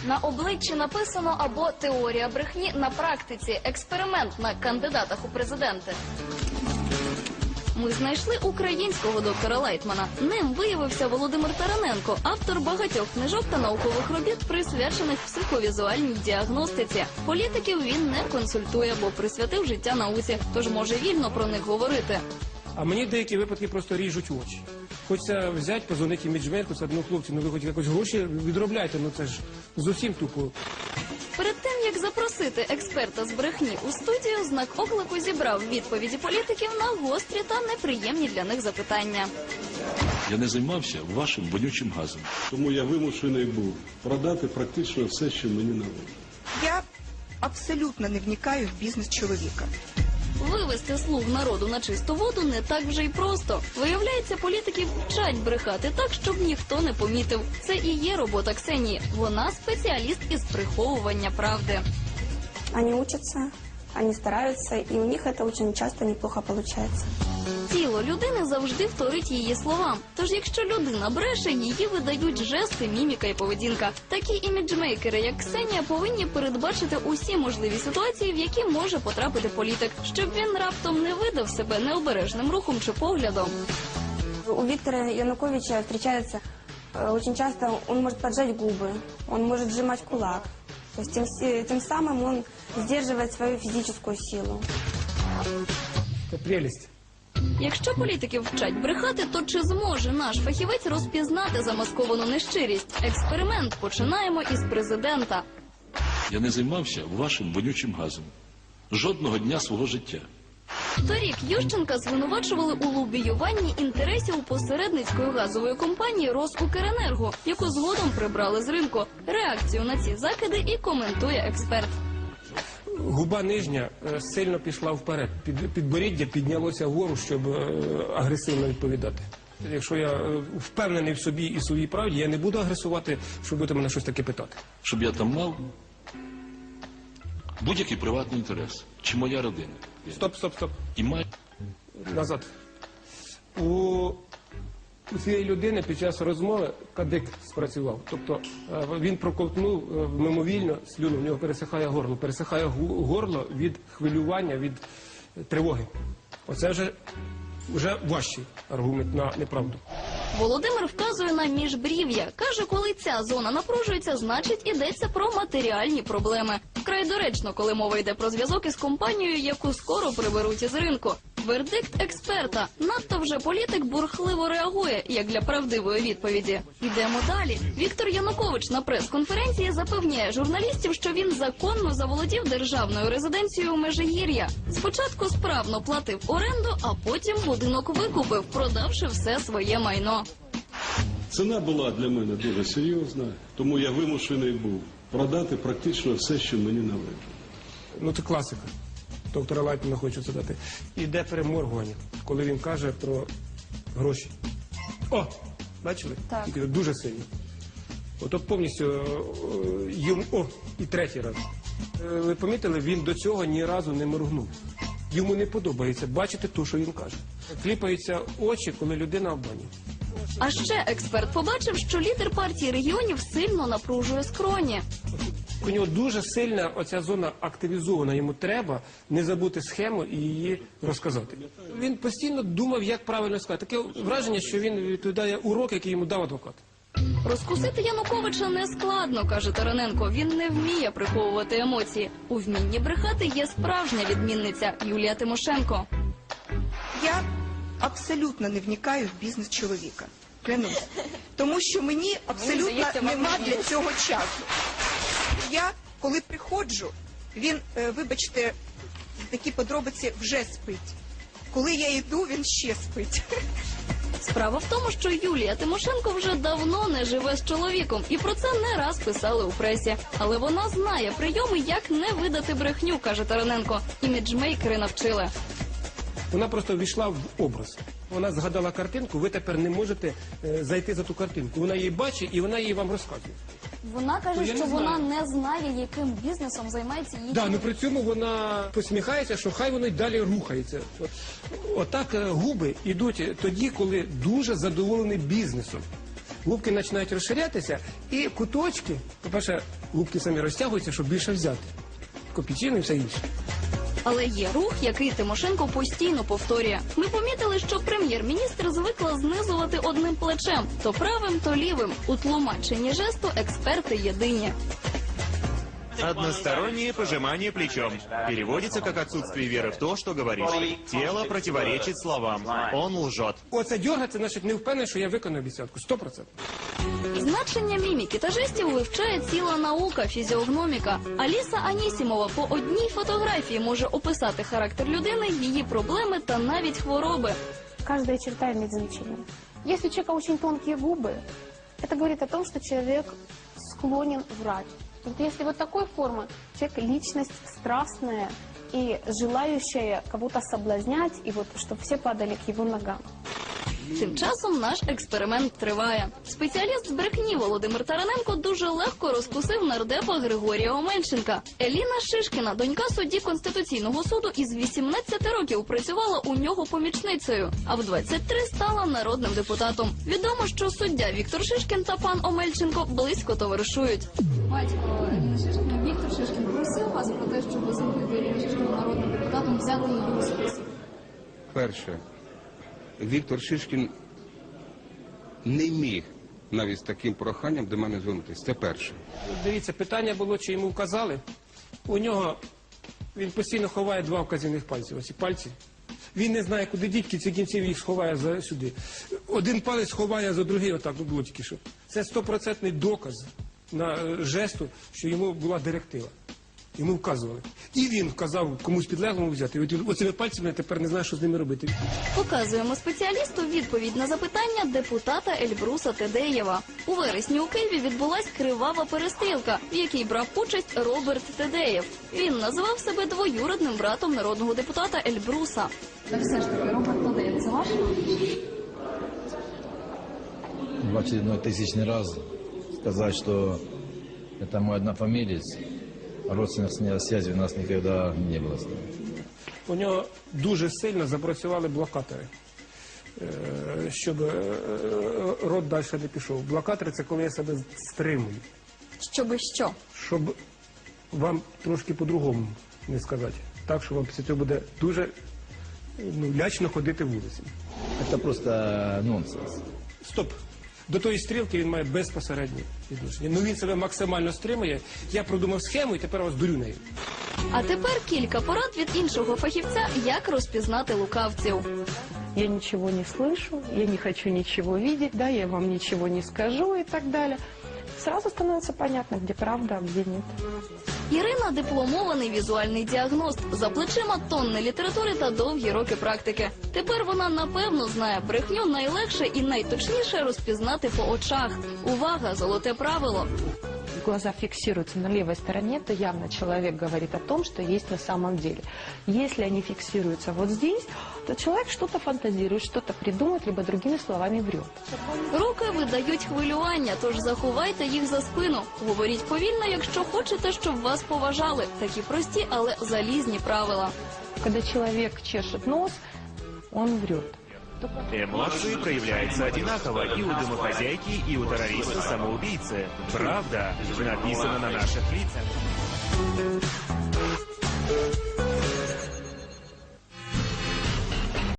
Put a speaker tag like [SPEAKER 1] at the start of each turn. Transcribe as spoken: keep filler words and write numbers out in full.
[SPEAKER 1] На обличчі написано або теорія брехні на практиці, експеримент на кандидатах у президенти. Ми знайшли українського доктора Лайтмана. Ним виявився Володимир Тараненко, автор багатьох книжок та наукових робіт, присвячених психовізуальній діагностиці. Політиків він не консультує, бо присвятив життя науці, тож може вільно про них говорити.
[SPEAKER 2] А мені в деякі випадки просто ріжуть очі. Хочеться взяти, позвонити іміджмейку, сказати, ну хлопці, ну ви хоч якось гроші відробляйте, ну це ж зовсім тупо.
[SPEAKER 1] Перед тим, як запросити експерта з брехні у студію, знак оклику зібрав відповіді політиків на гострі та неприємні для них запитання.
[SPEAKER 3] Я не займався вашим вонючим газом.
[SPEAKER 4] Тому я вимушений був продати практично все, що мені належить.
[SPEAKER 5] Я абсолютно не вникаю в бізнес чоловіка.
[SPEAKER 1] Вивести слуг народу на чисту воду не так вже й просто. Виявляється, політиків вчать брехати так, щоб ніхто не помітив. Це і є робота Ксенії. Вона спеціаліст із приховування правди.
[SPEAKER 6] Они учатся, они стараются, и у них это очень часто неплохо получается.
[SPEAKER 1] Тіло людини завжди вторить її словам. Тож якщо людина бреше, її видають жести, міміка і поведінка. Такі іміджмейкери, як Ксенія, повинні передбачити усі можливі ситуації, в які може потрапити політик, щоб він раптом не видав себе необережним рухом чи поглядом.
[SPEAKER 6] У Виктора Януковича встречается э, очень часто, он может поджать губы, он может сжимать кулак. То есть тем, с- тем самым он сдерживает свою физическую силу.
[SPEAKER 2] Це прелість.
[SPEAKER 1] Якщо політиків вчать брехати, то чи зможе наш фахівець розпізнати замасковану нещирість? Експеримент починаємо із президента.
[SPEAKER 3] Я не займався вашим вонючим газом. Жодного дня свого життя.
[SPEAKER 1] Торік Ющенка звинувачували у лобіюванні інтересів посередницької газової компанії «Росукренерго», яку згодом прибрали з ринку. Реакцію на ці закиди і коментує експерт.
[SPEAKER 2] Губа нижня е, сильно пішла вперед. Під, підборіддя піднялося вгору, щоб е, агресивно відповідати. Якщо я е, впевнений в собі і своїй правді, я не буду агресувати, щоб будете мене щось таке питати.
[SPEAKER 3] Щоб я там мав будь-який приватний інтерес. Чи моя родина.
[SPEAKER 2] Стоп, стоп, стоп.
[SPEAKER 3] І має...
[SPEAKER 2] Назад. У у цієї людини під час розмови кадик спрацював. Тобто е, він проковтнув е, мимовільно слюну, в нього пересихає горло. Пересихає гу- горло від хвилювання, від е, тривоги. Оце вже, вже важчий аргумент на неправду.
[SPEAKER 1] Володимир вказує на міжбрів'я. Каже, коли ця зона напружується, значить ідеться про матеріальні проблеми. Вкрай доречно, коли мова йде про зв'язок із компанією, яку скоро приберуть із ринку. Вердикт експерта. Надто вже політик бурхливо реагує, як для правдивої відповіді. Йдемо далі. Віктор Янукович на прес-конференції запевняє журналістів, що він законно заволодів державною резиденцією у Межигір'я. Спочатку справно платив оренду, а потім будинок викупив, продавши все своє майно.
[SPEAKER 4] Ціна була для мене дуже серйозна, тому я вимушений був продати практично все, що мені належить.
[SPEAKER 2] Ну це класика. Доктора Лайтмана хочу задати. Іде переморгування, коли він каже про гроші. О! Бачили?
[SPEAKER 6] Так.
[SPEAKER 2] Тільки дуже сильно. Ото повністю е, йому... О! І третій раз. Е, Ви помітили, він до цього ні разу не моргнув. Йому не подобається бачити те, що він каже. Кліпаються очі, коли людина обманює.
[SPEAKER 1] А ще експерт побачив, що лідер партії регіонів сильно напружує скроні.
[SPEAKER 2] У нього дуже сильна оця зона активізована. Йому треба не забути схему і її розказати. Він постійно думав, як правильно сказати. Таке враження, що він відповідає урок, який йому дав адвокат.
[SPEAKER 1] Розкусити Януковича не складно, каже Тараненко. Він не вміє приховувати емоції. У вмінні брехати є справжня відмінниця Юлія Тимошенко.
[SPEAKER 5] Я абсолютно не вникаю в бізнес чоловіка. Клянусь. Тому що мені абсолютно нема для цього часу. Я, коли приходжу, він, е, вибачте, такі подробиці вже спить. Коли я йду, він ще спить.
[SPEAKER 1] Справа в тому, що Юлія Тимошенко вже давно не живе з чоловіком, і про це не раз писали у пресі. Але вона знає прийоми, як не видати брехню, каже Тараненко. Іміджмейкери навчили.
[SPEAKER 2] Вона просто ввійшла в образ. Вона згадала картинку, ви тепер не можете е, зайти за ту картинку. Вона її бачить і вона її вам розказує.
[SPEAKER 1] Вона каже,
[SPEAKER 2] Ну, я
[SPEAKER 1] що
[SPEAKER 2] не
[SPEAKER 1] вона
[SPEAKER 2] знаю.
[SPEAKER 1] не знає, яким бізнесом займається її.
[SPEAKER 2] Да, ну при цьому вона посміхається, що хай воно й далі рухається. От- Отак е, губи йдуть тоді, коли дуже задоволений бізнесом. губки починають розширятися, і куточки, по-перше, губки самі розтягуються, щоб більше взяти. Копійчину і все інше.
[SPEAKER 1] Але є рух, який Тимошенко постійно повторює. Ми помітили, що прем'єр-міністр звикла знизувати одним плечем, то правим, то лівим. У тлумаченні жесту експерти єдині.
[SPEAKER 7] Одностороннее пожимание плечом. Переводится как отсутствие веры в то, что говоришь. Тело противоречит словам. Он лжет.
[SPEAKER 2] Оце дьоргаться, значить, не впевнений, що я виконую обіцянку. Сто процентів.
[SPEAKER 1] Значення міміки та жестів вивчає ціла наука – фізіогноміка. Аліса Анісімова по одній фотографії може описати характер людини, її проблеми та навіть хвороби.
[SPEAKER 8] Каждая черта имеет значение. Если у человека очень тонкие губы, это говорит о том, что человек склонен врать. Вот если вот такой формы, человек личность страстная и желающая кого-то соблазнять, и вот чтобы все падали к его ногам.
[SPEAKER 1] Тим часом наш експеримент триває. Спеціаліст з брехні Володимир Тараненко дуже легко розкусив нардепа Григорія Омельченка. Еліна Шишкіна, донька судді Конституційного суду, із вісімнадцяти років працювала у нього помічницею, а в двадцять три стала народним депутатом. Відомо, що суддя Віктор Шишкін та пан Омельченко близько товаришують. Батько Еліни Шишкіна, Віктор Шишкін, просив вас про те, щоб зробити Еліну Шишкіну народним депутатом, взяти її у список.
[SPEAKER 9] Перше, Віктор Шишкін не міг навіть з таким проханням до мене звернутися. Це перше.
[SPEAKER 2] Дивіться, питання було, чи йому вказали. У нього, він постійно ховає два вказівних пальці. Ось ці пальці. Він не знає, куди діть, кінці кінців їх сховає за сюди. Один палець ховає за другий, отак, ну було тільки що. Це стопроцентний доказ на е, жесту, що йому була директива. Йому вказували. І він вказав комусь підлеглому взяти. І от оцими пальцями я тепер не знаю, що з ними робити.
[SPEAKER 1] Показуємо спеціалісту відповідь на запитання депутата Ельбруса Тедеєва. У вересні у Києві відбулась кривава перестрілка, в якій брав участь Роберт Тедеєв. Він називав себе двоюрідним братом народного депутата Ельбруса. Так все ж таки, Роберт Тедеєв, це ваш?
[SPEAKER 10] В очередной тысячный раз сказать, что это мой однофамилец, родственных связей у нас никогда не было.
[SPEAKER 2] У нього дуже сильно запрацювали блокатори, е, щоб е, рот далі не пішов. Блокатори – це коли я себе стримую.
[SPEAKER 1] Щоби що?
[SPEAKER 2] Щоб вам трошки по-другому не сказати. Так, що вам після цього буде дуже ну, лячно ходити вулицями.
[SPEAKER 10] Это просто нонсенс.
[SPEAKER 2] Стоп. До тої стрілки він має безпосереднє відношення. Ну він себе максимально стримує. Я продумав схему і тепер вас дурю нею.
[SPEAKER 1] А тепер кілька порад від іншого фахівця, як розпізнати лукавців.
[SPEAKER 11] Я ничего не слышу, я не хочу ничего видеть, да, я вам ничего не скажу и так далее. Сразу становится понятно, где правда, а где нет.
[SPEAKER 1] Ірина – дипломований візуальний діагност. За плечима тонни літератури та довгі роки практики. Тепер вона напевно знає брехню найлегше і найточніше розпізнати по очах. Увага! Золоте правило!
[SPEAKER 11] Глаза фиксируются на левой стороне, то явно человек говорит о том, что есть на самом деле. Если они фиксируются вот здесь, то человек что-то фантазирует, что-то придумает, либо другими словами врет.
[SPEAKER 1] Руки видають хвилювання, тож заховайте їх за спину. Говоріть повільно, якщо хочете, щоб вас поважали. Такі прості, але залізні правила.
[SPEAKER 11] Когда человек чешет нос, он врет.
[SPEAKER 7] Эмоции проявляются одинаково и у домохозяйки, и у террориста-самоубийцы. Правда написана на наших лицах.